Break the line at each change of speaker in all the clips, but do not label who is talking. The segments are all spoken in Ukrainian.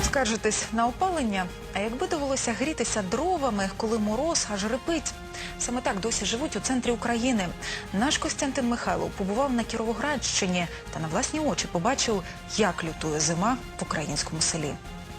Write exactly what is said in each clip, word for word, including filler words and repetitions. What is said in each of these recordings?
Скаржитесь на опалення? А якби довелося грітися дровами, коли мороз аж рипить? Саме так досі живуть у центрі України. Наш Костянтин Михайлов побував на Кіровоградщині та на власні очі побачив, як лютує зима в українському селі.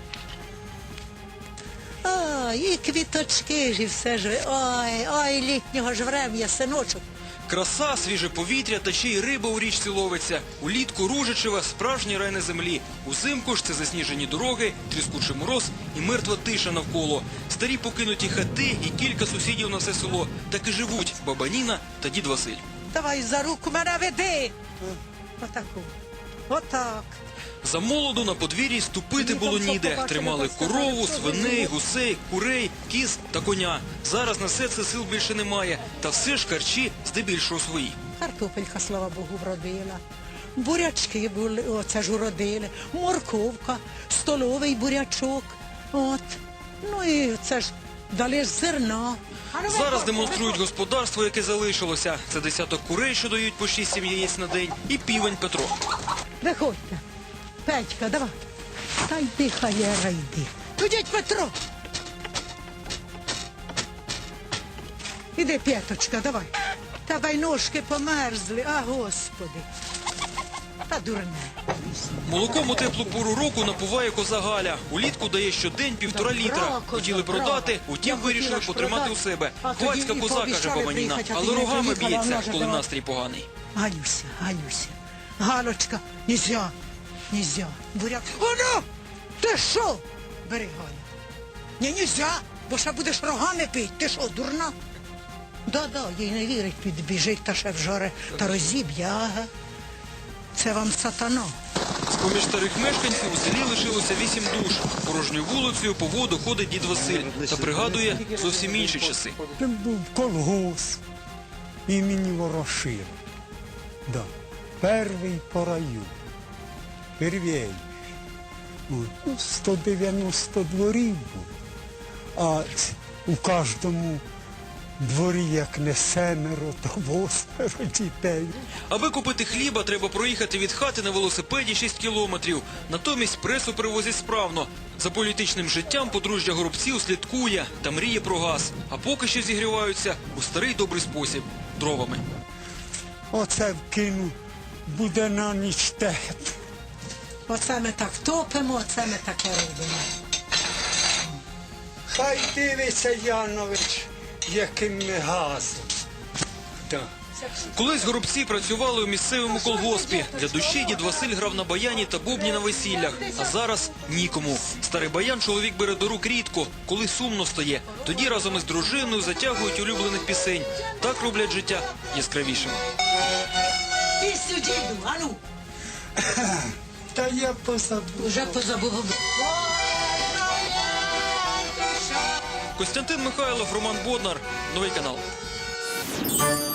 А, і квіточки ж, і все ж. Ой, ой, літнього ж врем'я, синочок.
Краса, свіже повітря та ще й риба у річці ловиться. Улітку Ружичева – справжній рай на землі. Узимку ж це засніжені дороги, тріскучий мороз і мертва тиша навколо. Старі покинуті хати і кілька сусідів на все село. Так і живуть баба Ніна та дід Василь.
Давай за руку мене веди. Отаку. Отак.
За молоду на подвір'ї ступити було ніде. Тримали корову, свиней, гусей, курей, кіз та коня. Зараз на все це сил більше немає. Та все ж харчі здебільшого свої.
Картопелька, слава Богу, вродила. Бурячки були, оце ж уродили. Морковка, столовий бурячок. От. Ну і це ж дали ж зерна.
Зараз демонструють господарство, яке залишилося. Це десяток курей, що дають по шість-сім яєць на день, і півень Петро.
Виходьте. Петька, давай. Та йди, хаєра, йди. Ходіть, Петро. Іди, П'яточка, давай. Давай, ножки померзли, а, Господи. Та дурне.
Молоком у теплу пору року напуває коза Галя. Улітку дає щодень півтора літра. Хотіли продати, утім вирішили потримати у себе. Хвацька коза, каже баба Ніна, але рогами б'ється, коли настрій поганий.
Галюся, Галюся. Галочка, нельзя, нельзя. Буряк. Оно! Ти що? Бери, Галя. Ні, нельзя, бо ще будеш рогами пити. Ти що, дурна? Да-да, їй не вірить, підбіжить та ще вжоре та розіб'є, ага. Це вам сатана.
З-поміж старих мешканців у селі лишилося вісім душ. Порожньою вулицею по воду ходить дід Василь та пригадує зовсім інші часи.
Це був колгосп імені Ворошила. Да. Перший по району. Первій. Ну, сто дев'яносто дворів було. А у кожному дворі, як не семеро, то восьмеро дітей.
Аби купити хліба, треба проїхати від хати на велосипеді шість кілометрів. Натомість пресу привозять справно. За політичним життям подружжя Горобців слідкує та мріє про газ. А поки що зігріваються у старий добрий спосіб – дровами.
Оце вкину, буде на ніч тепло.
Оце ми так топимо, оце ми таке робимо.
Хай дивиться, Янович, яким ми газом. Да.
Колись Горобці працювали у місцевому колгоспі. Для душі дід Василь грав на баяні та бубні на весіллях. А зараз нікому. Старий баян чоловік бере до рук рідко, коли сумно стає. Тоді разом із дружиною затягують улюблених пісень. Так роблять життя яскравішим.
І сюди, ану.
Та я позабув.
Уже позабув.
Костянтин Михайлов, Роман Боднар. Новий канал.